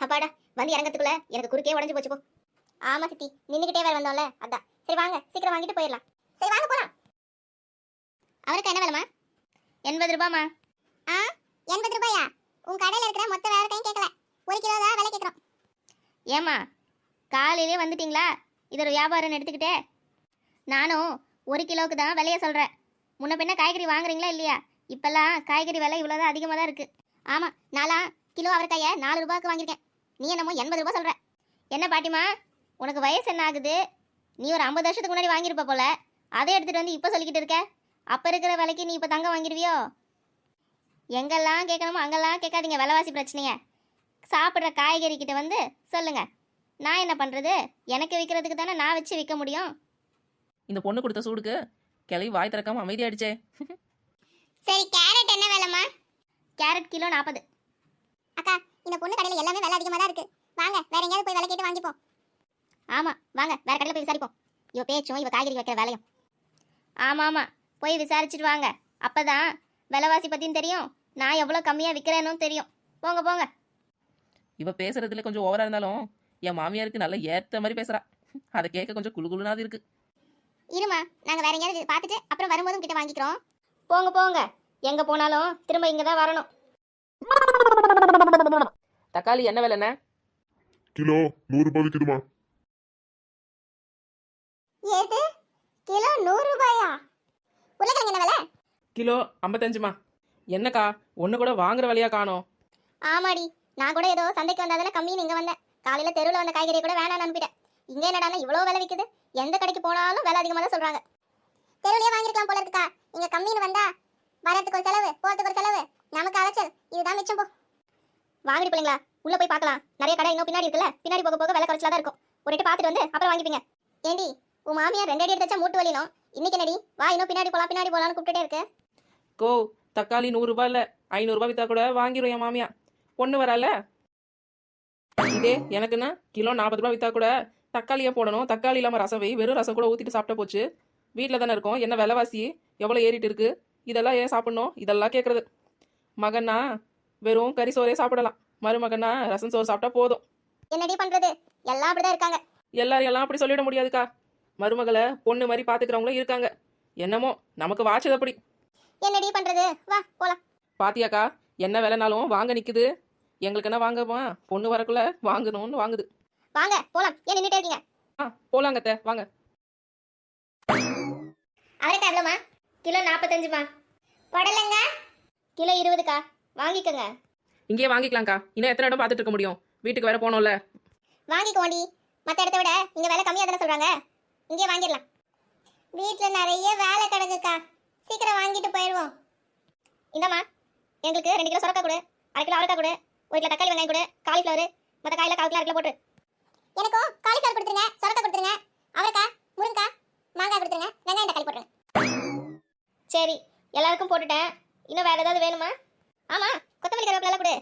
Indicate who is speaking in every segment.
Speaker 1: அப்பாடா, வந்து இறங்கத்துக்குள்ள எனக்கு குறுக்கே உடஞ்சு போச்சு போ. ஆமா சித்தி, நின்னுக்கிட்டே வேற வந்தோம்ல அதான். சரி வாங்க, சீக்கிரம் வாங்கிட்டு போயிடலாம். சரி வாங்க போலாம். அவருக்கு என்ன விலைமா? 80 ரூபாமா. ஆ, 80 ரூபாயா? உன் கடையில இருக்கிற மொத்த வேலைக்கையும் கேட்கல, 1 கிலோ தான் விலை கேட்குறோம். ஏமா, காலையிலே வந்துட்டீங்களா? இது ஒரு வியாபாரம் எடுத்துக்கிட்டே. நானும் 1 கிலோவுக்கு தான் விலைய சொல்கிறேன். முன்ன பின்ன காய்கறி வாங்குறீங்களா இல்லையா? இப்போல்லாம் காய்கறி விலை இவ்வளோதான் அதிகமாக தான் இருக்குது. ஆமாம், நான்லாம் கிலோ அவரைக்காயை 4 ரூபாய்க்கு வாங்கியிருக்கேன். நீ என்னமோ 80 ரூபா சொல்கிற. என்ன பாட்டிமா, உனக்கு வயசு என்ன ஆகுது? நீ ஒரு 50 வருஷத்துக்கு முன்னாடி வாங்கியிருப்ப போல. அதை எடுத்துகிட்டு வந்து இப்போ சொல்லிக்கிட்டு இருக்க. அப்போ இருக்கிற விலைக்கு நீ இப்போ தங்கம் வாங்கிடுவியோ? எங்கெல்லாம் கேட்கணுமோ அங்கெல்லாம் கேட்காதீங்க விலைவாசி பிரச்சனையை. சாப்பிட்ற காய்கறி கிட்ட வந்து சொல்லுங்கள். நான் என்ன பண்ணுறது? எனக்கு விற்கிறதுக்கு தானே நான் வச்சு விற்க முடியும்.
Speaker 2: இந்த பொண்ணு கொடுத்த சூடுக்கு கிளவி வாய் திறக்காம அமைதியாயிடுச்சே.
Speaker 1: சரி, கேரட் என்ன விலைமா? Carrot kilo 40. அக்கா, இந்த பொண்ணு கடையில் எல்லாமே விலை அதிகமாக தான் இருக்குது. வாங்க வேற எங்கேயாவது போய் விலை கேட்டு வாங்கிப்போம். ஆமாம், வாங்க வேற கடையில் போய் விசாரிப்போம். இவ பேச்சும் இவ காய்கறி வைக்கிற வேலையும். ஆமாம் ஆமாம், போய் விசாரிச்சுட்டு வாங்க. அப்போ தான் விலைவாசி பற்றியும் தெரியும், நான் எவ்வளோ கம்மியாக விற்கிறேன்னு தெரியும். போங்க போங்க.
Speaker 2: இவ பேசுறதுல கொஞ்சம் ஓவரா இருந்தாலும் என் மாமியாருக்கு நல்ல ஏத்த மாதிரி பேசுறா. அதை கேட்க கொஞ்சம் குழுகுழுனாது இருக்கு.
Speaker 1: இருமா, நாங்கள் வேற எங்கேயாவது பார்த்துட்டு அப்புறம் வரும்போதும் கிட்ட வாங்கிக்கிறோம். போங்க போங்க, எங்கே போனாலும் திரும்ப இங்கே தான் வரணும்.
Speaker 2: தக்காளி என்ன விலைண்ணே?
Speaker 3: கிலோ 100 ரூபாய் விற்குதுமா.
Speaker 1: ஏது கிலோ 100 ரூபாயா? உருளைக்கிழங்கு என்ன விலை?
Speaker 2: கிலோ 55மா. என்னக்கா ஒன்று கூட வாங்குற விலையா காணோம்?
Speaker 1: ஆமாடி, நான் கூட ஏதோ சந்தைக்கு வந்தாதானே கம்மின்னு இங்கே வந்தேன். காலையில் தெருவில் வந்த காய்கறியை கூட வேணான்னு அனுப்பிட்டேன். இங்கே என்னடானா இவ்வளோ விலை விற்குது. எந்த கடைக்கு போனாலும் விலை அதிகமாக தான் சொல்கிறாங்க. தெருவிலே வாங்கிருக்கலாம் போல இருக்கா. இங்கே கம்மின்னு வந்தா வரத்துக்கு ஒரு செலவு, போகிறதுக்கு ஒரு செலவு, நமக்கு அலைச்சல். இதுதான் மிச்சம் போ. வாங்கிட்டு பிள்ளைங்களா, உள்ளே போய் பார்க்கலாம். நிறைய கடை இன்னும் பின்னாடி இருக்குல்ல, பின்னாடி போக போக விலை குறைச்சலா தான் இருக்கும். ஒரு இட்டு பார்த்துட்டு வந்து அப்புறம் வாங்கிப்பீங்க. ஏண்டி, உன் மாமியார் 2 அடி எடுத்து வச்சா மூட்டு வலினும், இன்னைக்கு என்னடி வா இன்னும் பின்னாடி போலான்னு கூப்பிட்டுட்டே இருக்கு.
Speaker 2: கோ, தக்காளி 100 ரூபாய் இல்லை 500 ரூபாய் வித்தா கூட வாங்கிடும் என் மாமியா. பொண்ணு வரல. இதே எனக்குன்னா கிலோ 40 ரூபாய் வித்தா கூட தக்காளியே போடணும். தக்காளி இல்லாமல் ரசம் வை, வெறும் ரசம் கூட ஊற்றிட்டு சாப்பிட்டா போச்சு. வீட்டில் தானே இருக்கோம், என்ன விலைவாசி எவ்வளோ ஏறிட்டு இருக்கு, இதெல்லாம் ஏன் சாப்பிட்ணும்? இதெல்லாம் கேட்குறது. மகன்னா வெறும் கறி சோறே சாப்பிடலாம், மருமகன்னா ரசம் சோறு சாப்பிட்டா போதும்.
Speaker 1: என்னடி பண்றது, எல்லாம் அப்படிதான் இருக்காங்க.
Speaker 2: எல்லாரும் எல்லாம் அப்படி சொல்லிட முடியாதுக்கா. மருமகளை பொண்ணு மாதிரி பார்த்துக்கிறவங்களும் இருக்காங்க. என்னமோ நமக்கு வாச்சது அப்படி.
Speaker 1: என்னடி பண்றது, வா போலாம்.
Speaker 2: பாத்தியாக்கா, என்ன விலைனாலும் வாங்க நிக்குது. எங்களுக்கு என்ன வாங்கமா, பொண்ணு வரக்குள்ள வாங்கணும்னு வாங்குது.
Speaker 1: வாங்க போலாம், ஏன் நின்னுட்டே இருக்கீங்க?
Speaker 2: போலாங்கத்த வாங்க.
Speaker 1: அவரைக்காய் எவ்வளோமா? கிலோ 45மா. புடலங்க கிலோ 20க்கா, வாங்கிக்கோங்க.
Speaker 2: இங்கேயே வாங்கிக்கலாம்க்கா, இன்னும் எத்தனை இடம் பார்த்துட்டு இருக்க முடியும்? வீட்டுக்கு வேற போனோம்ல.
Speaker 1: வாங்கிக்கோண்டி, மற்ற இடத்த விட இங்கே விலை கம்மியாக தானே சொல்கிறாங்க, இங்கே வாங்கிடலாம். வீட்டில் நிறைய வேலை கிடக்குக்கா, சீக்கிரம் வாங்கிட்டு போயிடுவோம். இந்தாம்மா, எங்களுக்கு 2 கிலோ சுரக்காய் கொடு, 1/2 கிலோ அவரைக்காய் கொடு, 1 கிலோ தக்காளி வெங்காயம் கொடு, காலிஃப்ளவர், மற்ற காயில் 1/4 கிலோ 1/2 கிலோ போட்டு. எனக்கும் காலிஃப்ளவர் கொடுத்துருங்க, சுரக்காய் கொடுத்துருங்க, அவரைக்காய், முருங்கைக்காய், மாங்காய் கொடுத்துருங்க, வெங்காயம் தக்காளி போட்டுருங்க. சரி, எல்லாருக்கும் போட்டுட்டேன். இன்னும் வேற ஏதாவது வேணுமா? ஆமாம், கொத்தமல்லி கருவேப்பிலை கொடு.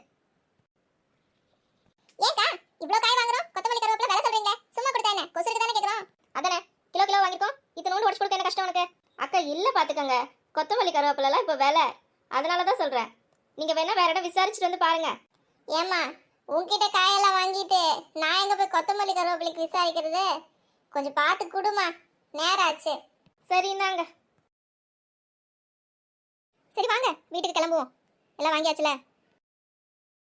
Speaker 1: ஏக்கா இவ்வளோ காய் வாங்குறோம், கொத்தமல்லி கருவேப்பிலை வேலை சொல்றீங்க, சும்மா கொடுத்தா என்ன, கொசுருக்கு தானே கேட்குறோம். அதானே கிலோ கிலோ வாங்கிருக்கோம், இத்தனோண்டு உடச்சு கொடுக்க என்ன கஷ்டம் உனக்கு? அக்கா இல்லை பார்த்துக்கோங்க, கொத்தமல்லி கருவேப்பிலாம் இப்போ விலை, அதனால தான் சொல்கிறேன். நீங்கள் வேணா வேற இடம் விசாரிச்சுட்டு வந்து பாருங்க. ஏம்மா, உங்ககிட்ட காயெல்லாம் வாங்கிட்டு நான் எங்கே போய் கொத்தமல்லி கருவேப்பிலைக்கு விசாரிக்கிறது? கொஞ்சம் பார்த்து கொடுமா, நேரம் ஆச்சு. சரிந்தாங்க. சரி வாங்க வீட்டுக்கு கிளம்புவோம், எல்லாம் வாங்கியாச்சுல.